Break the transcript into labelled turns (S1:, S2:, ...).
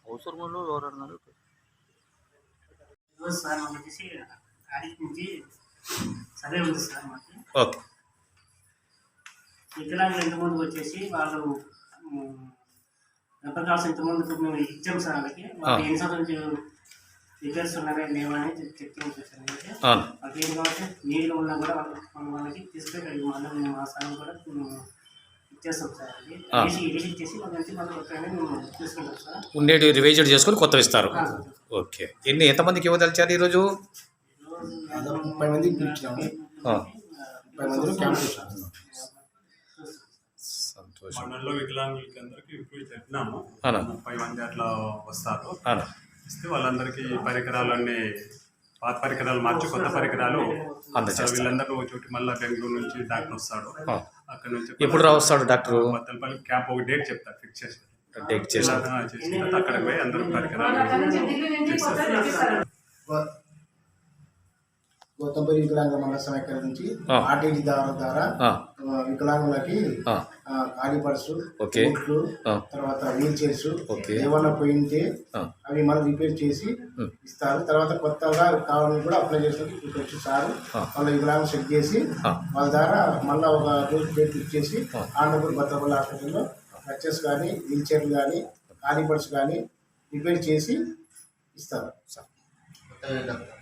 S1: అవసరంలో ఎవరన్నారు
S2: సార్ మాకు వచ్చేసి ఆడిట్ నుంచి సర్వే ఉంది సార్ మాకు.
S3: ఓకే.
S2: వికలాంగులు ఇంతమందికి వచ్చేసి వాళ్ళు రబ్బర్ కార్డ్స్ ఇంతమందికి మేము ఇచ్చాం సార్. వాళ్ళకి వాళ్ళు ఎన్ని సంవత్సరాల నుంచి రిపేర్స్ ఉన్నారా లేవా అని చెక్ చేసాం. వాళ్ళకి ఏం కాబట్టి నీళ్ళు ఉన్నా కూడా వాళ్ళకి తీసుకెళ్ళి మళ్ళీ మా సార్ కూడా ఇచ్చేస్తాం సార్. అది రిజిట్ చేసి వాళ్ళ నుంచి మళ్ళీ కొత్తగానే మేము తీసుకుంటాం సార్.
S3: ఉండేటి రివైజ్ చేసుకొని కొత్తవి ఇస్తారు. ఓకే. ఎంతమందికి ఇవ్వదలిచారు ఈరోజు?
S4: 30 మందికి పిలిచాము. 30 మందిలో క్యాంప్ చేశాము.
S5: మండలంలో వికలాంగులకి అందరికీ ఇప్పుడు చెప్పినాము. 30 మంది అట్లా వస్తారు. ఇస్తే వాళ్ళందరికీ పరికరాలన్నీ పాత పరికరాలు మార్చి కొత్త పరికరాలు వీళ్ళందరూ చోటి మళ్ళీ బెంగళూరు నుంచి డాక్టర్ వస్తాడు. అక్కడ నుంచి
S3: ఎప్పుడు వస్తాడు డాక్టర్?
S5: మత్తలపల్లి క్యాంప్ ఒక డేట్ చెప్తారు, ఫిక్స్ చేసి
S3: డేట్ చేసి
S5: అక్కడికి పోయి అందరూ పరికరాలు
S4: గౌతంపల్లి వికలాంగుల మండల సమైక్య నుంచి ఆర్టీజీ ద్వారా వికలాంగులకి ఖాళీ పర్సు, బూట్లు, తర్వాత వీల్ చైర్స్ ఏమన్నా పోయింటే అవి మళ్ళీ రిపేర్ చేసి ఇస్తారు. తర్వాత కొత్తగా కావాలని కూడా అప్లై చేసుకుని ఇక్కడికి వచ్చి సార్ వాళ్ళ వికలాంగులు చెక్ చేసి వాళ్ళ ద్వారా మళ్ళీ ఒక రోజు డేట్ ఫిక్స్ చేసి ఆంధ్రపూర్ భద్రపల్లి హాస్పిటల్లో క్రచెస్ కానీ వీల్ చైర్లు కానీ ఖాళీ పర్సు కానీ రిపేర్ చేసి ఇస్తారు సార్.